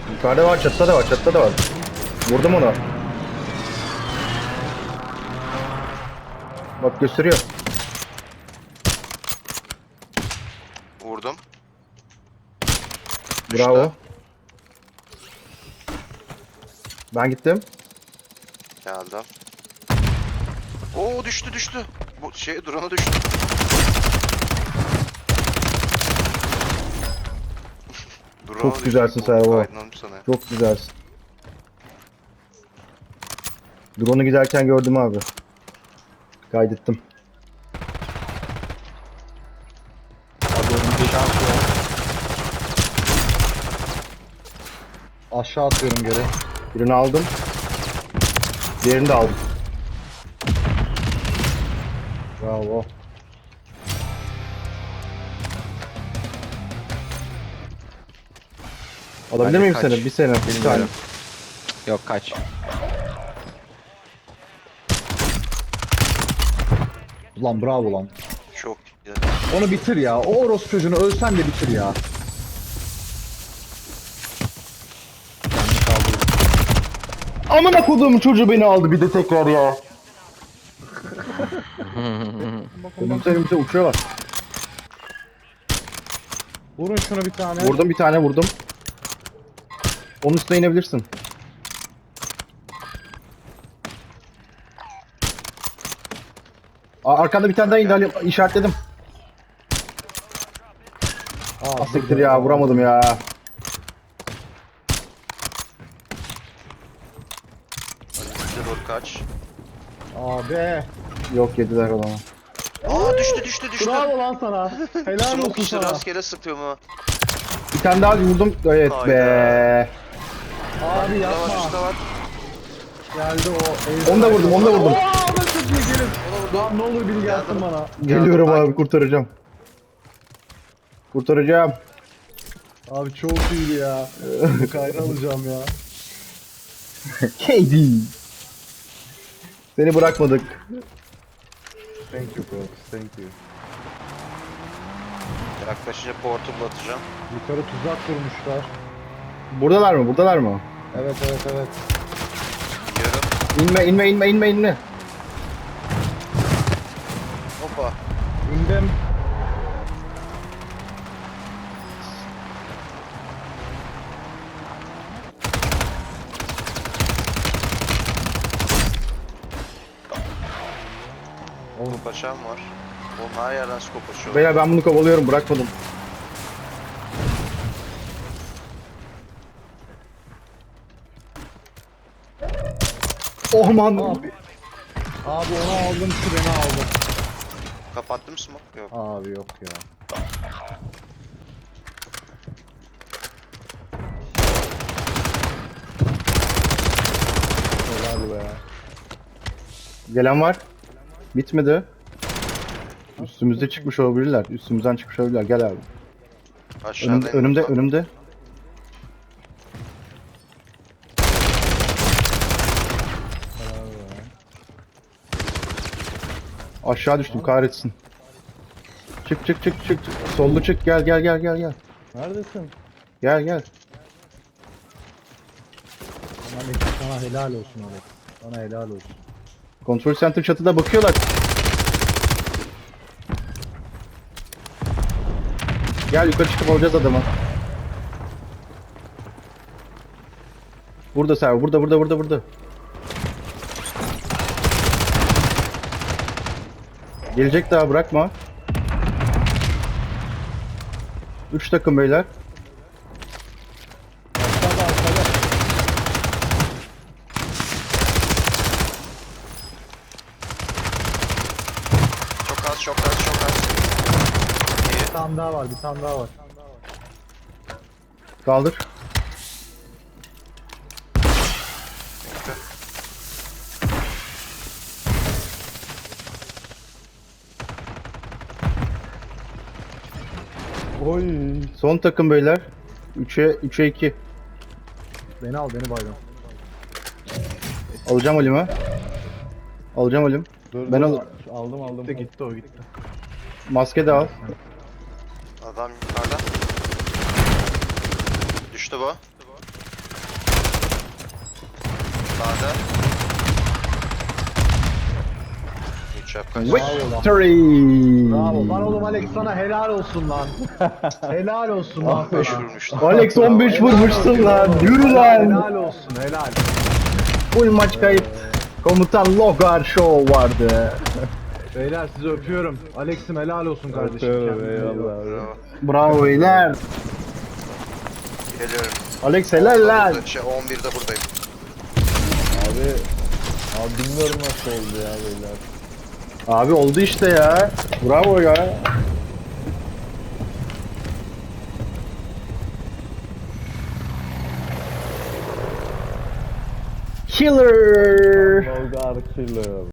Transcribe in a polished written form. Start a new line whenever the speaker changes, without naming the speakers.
Yukarıda var, çatıda da var, çatıda da var. Vurdum onu. Bak gösteriyor.
Vurdum.
Bravo. Ben gittim.
Geldim. Oo düştü. Bu şey drone'a düştü. Drone'a
Çok
düştü.
güzelsin
Bu
Servo.
aydınlanmış sana.
Çok güzelsin. Drone'u giderken gördüm abi. Kaydettim.
Abi önümde aşağı atıyorum geri.
Birini aldım. Diğerini de aldım.
Bravo.
Alabilir
Bence
miyim
kaç?
seni? Bir sene. Bir tane.
Bilmiyorum. Yok kaç.
Ulan bravo lan.
Çok güzel.
Onu bitir ya. O orospu çocuğunu ölsen de bitir ya. Kendini kaldır.
Amına koduğum çocuğu beni aldı bir de tekrar ya. Önümüzde uçuyorlar.
Vurun şunu bir tane.
Vurdum bir tane vurdum. Onun üstüne inebilirsin. Arkanda bir tane daha indi Ali, işaretledim.
Aa,
Siktir ya, vuramadım ya.
Önümüzde doğru kaç.
Abi.
Yok, yediler o zaman.
Aa düştü.
Bravo lan sana. Helal
Smoke
olsun
işte
sana.
rastgele sıkıyor mu?
Bir tane daha vurdum. Evet
Hayda.
be.
Abi
Burada var,
yapma.
üstte var.
Geldi o.
Onu da vurdum, onu da vurdum.
Aa, ben çok iyi gelin. Lan ne olur biri gelsin bana.
Geliyorum
Geldim,
abi, kurtaracağım. Kurtaracağım.
Abi çok iyiydi ya. Kayra alacağım ya.
KD. Seni bırakmadık.
Thank you bro. Thank you.
Yaklaşınca portable atacağım.
Yukarı tuzak kurmuşlar.
Buradalar mı? Buradalar mı?
Evet.
Yarım.
İnme.
Hoppa.
İndim.
Skop açan var. Oğlum her yerden skop açıyor.
Beyler ben bunu kovalıyorum, bırakmadım. Oh man.
Abi onu aldım, treni aldım.
Kapattım smoke? Yok.
Abi yok ya. Helal be.
Gelen var. Bitmedi. Üstümüzde çıkmış olabilirler. Üstümüzden çıkmış olabilirler. Gel abi.
Aşağıda
Önümde. Aşağı düştüm, kahretsin. Çık. Sollu çık. Gel.
Neredesin?
Gel.
Sana helal olsun Alex. Sana helal olsun.
Kontrol center çatıda bakıyorlar. Gel yukarı çıkıp alacağız adamı. Burada Servo. Burada. Gelecek daha, bırakma. 3 takım beyler.
Arkada.
Çok az. İyi.
Bir tane daha var.
Kaldır.
Oy.
Son takım beyler. 3'e 2.
Beni al, beni bayram.
Alacağım Halim.
Dur,
Ben
aldım. Gitti o.
Maske de al.
Adam yukarıda. Düştü bu. Sağda. Üç yap kaç.
Victory!
Bravo. Lan oğlum Alex sana helal olsun lan. Helal olsun lan
5
sana.
vurmuştu.
Alex 15 vurmuşsun lan. Yürü lan.
Helal olsun helal.
Full maç kayıp. Komutan Logar Show vardı.
Beyler sizi öpüyorum. Alex'im helal olsun kardeşim.
Öpüyorum,
Kendinize iyi bakın.
eyvallah abi.
Bravo.
Bravo beyler.
Geliyorum.
Alex helal lan.
11'de buradayım.
Abi bilmiyorum nasıl oldu ya beyler.
Abi oldu işte ya. Bravo ya. Killer.
Logar killer.